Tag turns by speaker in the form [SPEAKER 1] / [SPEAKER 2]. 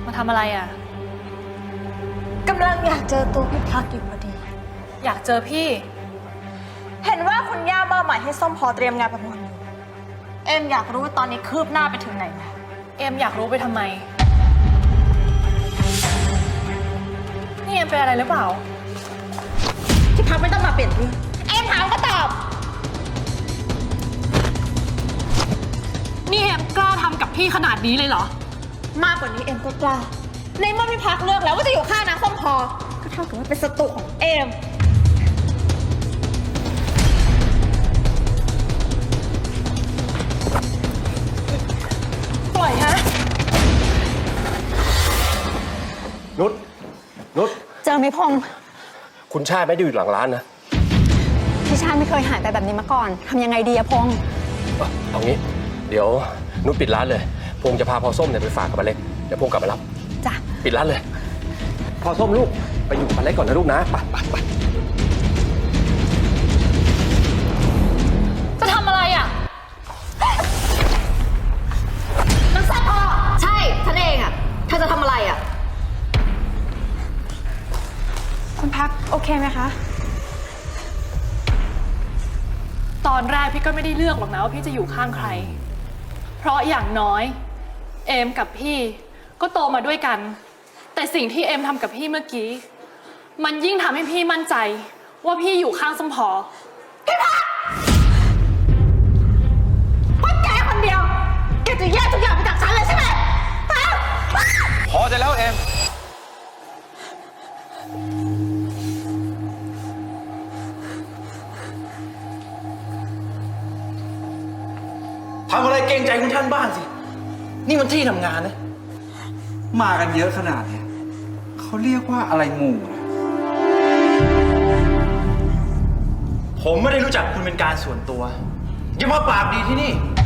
[SPEAKER 1] มาทำอะไรอ่ะ
[SPEAKER 2] กำลังอยากเจอตัวพี่พักอยู่พอดี
[SPEAKER 1] อยากเจอพี่
[SPEAKER 2] เห็นว่าคุณย่ามอบหมายให้ส้มพอเตรียมงานประมูลอยู่เอ็มอยากรู้ว่าตอนนี้คืบหน้าไปถึงไหนแล้ว
[SPEAKER 1] เอ็มอยากรู้ไปทำไมนี่เอ็มเป็นอะไรหรือเปล่า
[SPEAKER 2] พี่พักไม่ต้องมาเปลี่ยนเรื่องเอ็มถามก็ตอบ
[SPEAKER 1] นี่เอ็มกล้าทำกับพี่ขนาดนี้เลยเหรอ
[SPEAKER 2] มากกว่านี้เอ็มก็กล้าในเมื่อพี่พักเลือกแล้วว่าจะอยู่ข้างนางส้มพอก็เท่ากับว่าเป็นศัตรูของเอ็มปล่อยฮะ
[SPEAKER 3] นุช
[SPEAKER 4] เจอไหมพงษ์
[SPEAKER 3] คุณชาติไม่ได้อยู่หลังร้านนะ
[SPEAKER 4] พี่ชาติไม่เคยหายไปแบบนี้มาก่อนทำยังไงดีอะพงษ์
[SPEAKER 3] เอางี้เดี๋ยวนุชปิดร้านเลยพงษ์จะพาพอส้มเนี่ยไปฝากกับป้าเล็กเดี๋ยวพงษ์กลับมารับ
[SPEAKER 4] จ้ะ
[SPEAKER 3] ปิดร้านเลยพอส้มลูกไปอยู่กับป้าเล็กก่อนนะลูกนะไป
[SPEAKER 1] จะทำอะไรอ่ะ
[SPEAKER 2] นางส้มพอใช่ฉันเองอะเธอจะทำอะไรอะ
[SPEAKER 4] คุณพักโอเคไหมคะ
[SPEAKER 1] ตอนแรกพี่ก็ไม่ได้เลือกหรอกนะว่าพี่จะอยู่ข้างใครเพราะอย่างน้อยเอมกับพี่ก็โตมาด้วยกันแต่สิ่งที่เอมทำกับพี่เมื่อกี้มันยิ่งทำให้พี่มั่นใจว่าพี่อยู่ข้างส้มพอ
[SPEAKER 2] พี่พักเพราะแกคนเดียวแกจะแยกทุกอย่างไปจากฉันเลยใช่ไหม
[SPEAKER 3] พอจะแล้วเอ็ม
[SPEAKER 5] ทำอะไรเกรงใจคุณท่านบ้างสินี่มันที่ทำงานนะมากันเยอะขนาดนี้เขาเรียกว่าอะไรหมู่นะผมไม่ได้รู้จักคุณเป็นการส่วนตัวอย่ามาปากดีที่นี่